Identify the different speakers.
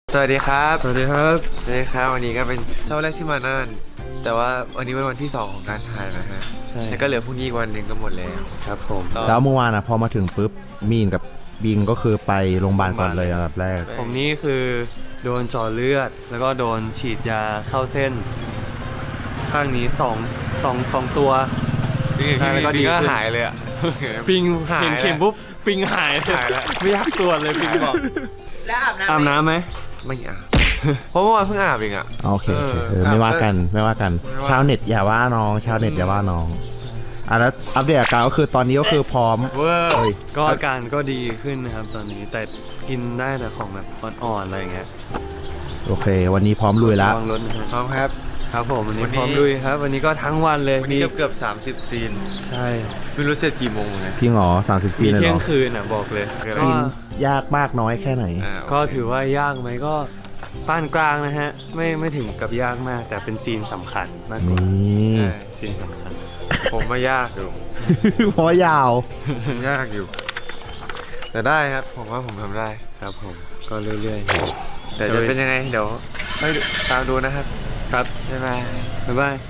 Speaker 1: สวัสดีครับ
Speaker 2: สวัสดีครับ
Speaker 1: สวัสดีครับวันนี้ก็เป็นเช้าแรกที่มาน่านแต่ว่าวันนี้เป็นวันที่2ของการถ่ายนะฮะ
Speaker 2: ใช่
Speaker 1: แล้วก็เหลือพรุ่งนี้อีกวันหนึ่งก็หมดแล้ว
Speaker 2: ครับผม
Speaker 3: แล้วเมื่อวานพอมาถึงปุ๊บมีนกับบิงก็คือไปโรงพยาบาลก่อนเลยอันดับแรก
Speaker 2: ผมนี่คือโดนเจาะเลือด แล้วก็โดนฉีดยาเข้าเส้น ข้างนี้สองตัว แล้วก็ดี
Speaker 1: ก็
Speaker 2: ขึ้น
Speaker 1: หายเลยอ่ะ
Speaker 2: ปิง
Speaker 1: หาย
Speaker 2: เห็นเข็มปุ๊บปิงหาย
Speaker 1: หายแล้ว
Speaker 2: ไม่อยากตรวจเลยปิงบอก
Speaker 4: แล้วอาบน้ำ
Speaker 2: อาบน้ำไหม
Speaker 1: ไม่อาบเพราะเมื่อวานเพิ่งอาบเองอ่ะ
Speaker 3: โอเคโอเค
Speaker 1: ครับ
Speaker 3: ไม่ว่ากันไม่ว่ากัน
Speaker 1: ไม่ว่า
Speaker 3: ชาวเน็ตอย่าว่าน้องชาวเน็ตอย่าว่าน้องแล้วอัปเดตอาการก็คือตอนนี้ก็คือพร้อม
Speaker 1: เวอร์
Speaker 3: เอ้ย
Speaker 2: ก็อาการก็ดีขึ้นนะครับตอนนี้แต่กินได้แต่ของแบบอ่อนๆอะไรอย่างเงี้ย
Speaker 3: โอเค วันนี้พร้อมลุยแล้ว
Speaker 2: ระวังรถนะ
Speaker 1: พร้อมครับ
Speaker 2: ครับผมวันนี้
Speaker 1: วันนี้
Speaker 2: พร้อมลุยครับ วันนี้ก็ทั้งวันเลย
Speaker 1: วันนี้เกือบ30ซีน
Speaker 2: ใช่
Speaker 1: ไม่รู้เสร็จกี่โมงเลย
Speaker 3: พี่หงอ30ซี
Speaker 2: มี
Speaker 3: นเลย
Speaker 2: เที่
Speaker 3: เห
Speaker 2: ย
Speaker 3: รง อ
Speaker 2: คืนอ่ะบอกเลย
Speaker 3: ซีนยากมากน้อยแค่ไหน
Speaker 2: ก็ถือว่ายากไหมก็ปานกลางนะฮะไม่ถึงกับยากมาก แต่เป็นซีนสำคัญมากกว่า
Speaker 3: นี่
Speaker 1: ใช่
Speaker 2: ซีนสำคัญ
Speaker 1: ผมมายากอยู่
Speaker 3: เพราะว่ายาว
Speaker 1: ยากอยู่ แต่ได้ครับผมว่าผมทำได้
Speaker 2: ครับผมก็เรื่อย
Speaker 1: แต่จะเป็นยังไงเดี๋ยวไปตามดูนะครับ
Speaker 2: ๆ ครับ
Speaker 1: บ๊ายบาย
Speaker 2: บ๊ายบาย